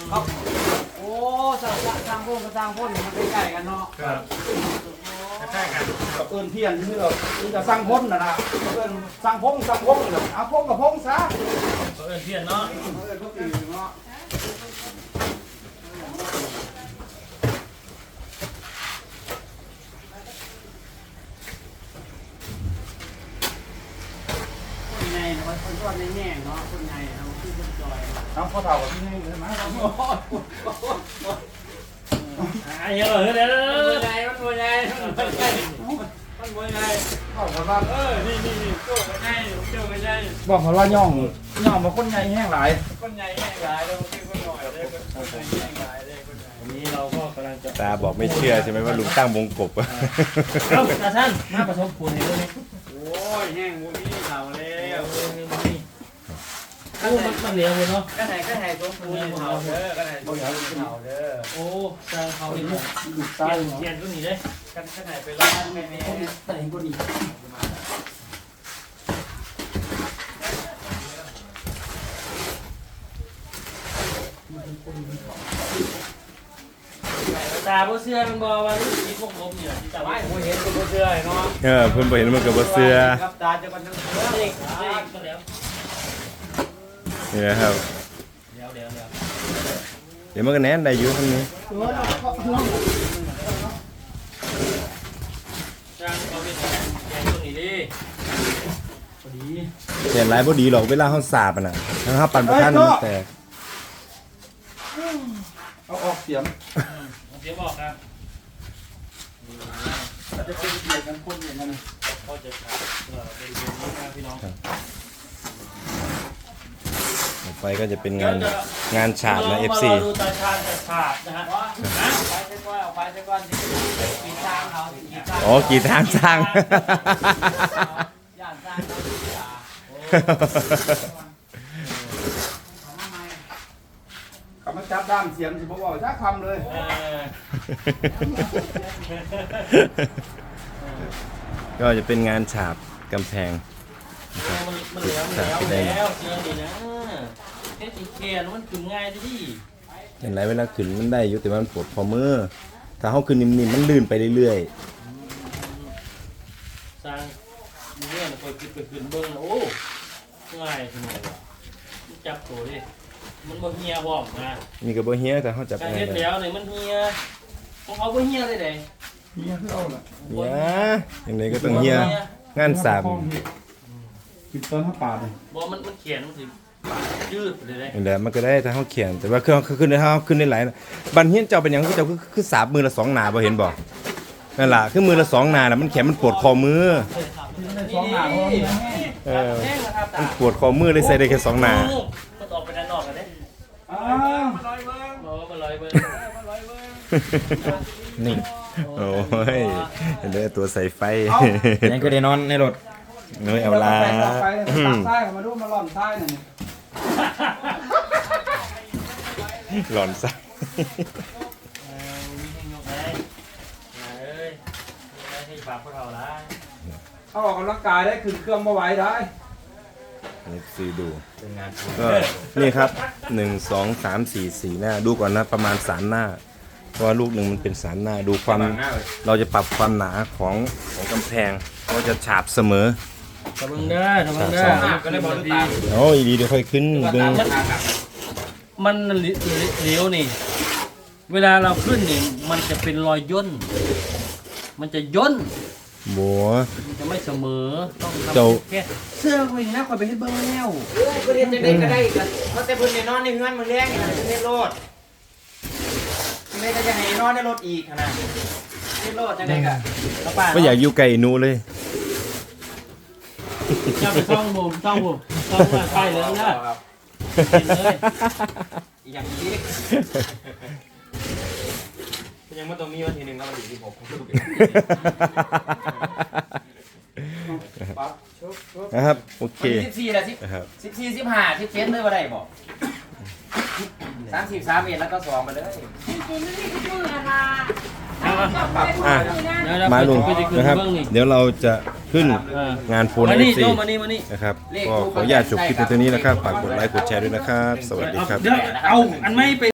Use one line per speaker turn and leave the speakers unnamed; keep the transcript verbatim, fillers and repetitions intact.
โอ้สร้างสร้างพ่นก็สร้างพ่นมันใกล้ๆกันเนาะ
ครับใกล้กัน
กับเอิญเพียนที่เราจะสร้างพ่นนะนะเอิญสร้างพงสร้างพงเอาพงกับพงซะ
เอิญเพียนเนาะ
เอิญก็ตีเนาะคนใหญ่เนาะคนชอบในแง่เนาะคนใหญ่เอาที่คนจอยเอาข้อเท้ากับที่นี่ใช่ไหม
อ่ะเยอะเลยเด้อ
มันใหญ่มันใหญ่มันใหญ่มันใหญ่บอกมาว่าเออนี่นี่นี่โจ้กันใหญ่โจ้กันใหญ่บอกมาว่าย่องย่องมาคนใหญ่แห้งหลายคนใหญ่แห้งหลายแล้วคนคนหน่อยเลยคนใหญ่แห้งหลายเลยคนใหญ่วันนี้เราก็กำลังจะ
ตาบอกไม่เชื่อใช่ไหมว่าลุงตั้งวงกบ
เอ้าตาท่านมาผสมปูนให้ด้วยนี่
โอ้ยแห้งบุมีเห่าแล้ว
โอ้มันมันเหลวเลยเนาะ
ก็ไหนก็ไหนต้มปูนเห่าเด้อก็ไหนต้มปูนเห่าเด้อ
โอ้จางเขาอีกแล้วเทียนก็หนีเลย
กันก็ไหนไปร้านแม่แม่แต่เห็นก็ดี
ตาบ่เสื้อมันบ่ว่าลูกศิษย์พวกผมเนี่ยที่ตา
ไม่
ไว้
ผมเห็นก็เสื้อเนาะ
เออเพิ่นบ่เห็นมันก็บ่เชื่อ
ครับตาจะกันทั้งเสื้อ
เด็กเด็กก็แล้ว
นี่นะครับ
เดี๋ยวเดี๋ยวเดี๋ยว
เดี๋ยวมันก็แน่นได้อยู่ทางนี้
จางเขาเป็นแกงตัวนี้ดิพอดี
เห็นหลายบ่ดีหรอกเวลาเฮาสาบอ่ะน่ะถ้าเฮาปั่นบ่ทันมันแตก
เอาออกเสียง
เสียงบอกครับ
เราจะเป็นเสียงกันคนอย่างนั้น
ก็จะขาดเออเป็นเรื่องนี้นะพี่น้อง
ต่อไปก็จะเป็นงานงานฉาบนะ เอฟ ซี
ดูตาชาญแต่ฉาบนะฮะ
ไปเส้นก้อนไปเส้นก้อนกีทางเขากีทาง
อ๋อกี่ทางสร้าง
ย่านสร้างเขามาจับด้ามเสียงสิบอกว่าชักคำเลย
ก็จะเป็นงานฉาบกำแพง
มันเหลวมันเหลวแล้วเสียงดีนะเทคนิคเขียนมันถึงง่ายดิ
เห็นไรเวลาขึ้นมันได้อยู่แต่มันปวดคอมือถ้าเขาขึ้นนิ่มๆมันลื่นไปเรื่อย
ๆสร้างเรื่องคอยขึ้นไปขึ้นเบิ้งโอ้ง่ายทีเดียวจับตัวดิมันบ่เฮียบ่นะ
มีกระบอกเฮียแต่เขาจับ
การเฮ็ดแล้วเนี่ยมันเฮียของเขาบ่เฮียเลยเด้
เฮียคือเอาล่ะ
เฮียอย่างไรก็ต้องเฮียงานสาม
ปิดต้นผ้าป่าเลย
บ่มันมันเขียนมันสิยืดเลยได้
อย่างไรมันก็ได้ถ้าเขาเขียนแต่ว่าเครื่องขึ้นได้เขาขึ้นได้หลายบันเฮียนเจ้าเป็นอย่างก็เจ้าคือคือสาบมือละสองหนาบ่เห็นบ่นั่นล่ะคือมือละสองหนาแล้วมันแข็งมันปวดคอมือ
สองหนา
เออมันปวดคอมือเลยใส่ได้แค่สองหนา
มันออกไปด้านนอกกันเด้
อ้ามาลอยเบิ้ง
บ่มาลอยเบิ้งมาลอยเบิ้
งนี่โอ้ยเห็นได้ตัวใส่ไฟ
ยังก็ได้นอนในรถ
น้อยเอาลา
ใช่มาดูมาหล่อนใต้หน่อย
หล่อนใส่
เขาออกกำลังกายได้ขึ้นเครื่องมาไหวได้
นี่ซีดูก็นี่ครับหนึ่งสองสามสี่สี่หน้าดูก่อนนะประมาณสามหน้าเพราะว่าลูกหนึ่งมันเป็นสามหน้าดูความเราจะปรับความหนาของของกำแพงเราจะฉาบเสมอ
ทำมึงได้ทำมึงได้ก็ได้บอลตา
โอ้ยดีเดี๋ยวค่อยขึ้นดึง
มันเหลวนี่เวลาเราขึ้นนี่มันจะเป็นรอยย่นมันจะย่น
บัว
จะไม่เสมอต้องทำแค่เสื้อเขาอย่างนี้คอยไปให้เบิ้งแล้ว
ก็เรียนจะได้ก็ได้กันเพราะแต่เพิ่นเนี่ยนอนในเฮือนมือแรงนี่จะเล่นโลดไม่ก็จะให้นอนในรถอีกนะเล่นโลดจะได้กัน
ก็อยากอยู่ไกลนูเลย
จะไปช่องบุมช่องบุมช่องมาไปเลยนะเลย
อย่างนี้ยังไม่ต้องมีวันทีหนึ่งแล้วมันอยู่ที่ผม
นะครับโอเค
สิบสี่ละสิบสิบสี่สิบห้าสิบเจ็ดเลยว่าได้บอกสามสิบสามเอ็ดแล้วก็สองไปเลย
มาลุงนะครับเดี๋ยวเราจะขึ้นงานโฟนเอฟซีนะครับก็ขออนุญาตจบคลิปตรงนี้นะครับฝากกดไลค์กดแชร์ด้วยนะครับสวัสดีครับ
เอาอันไม่ไป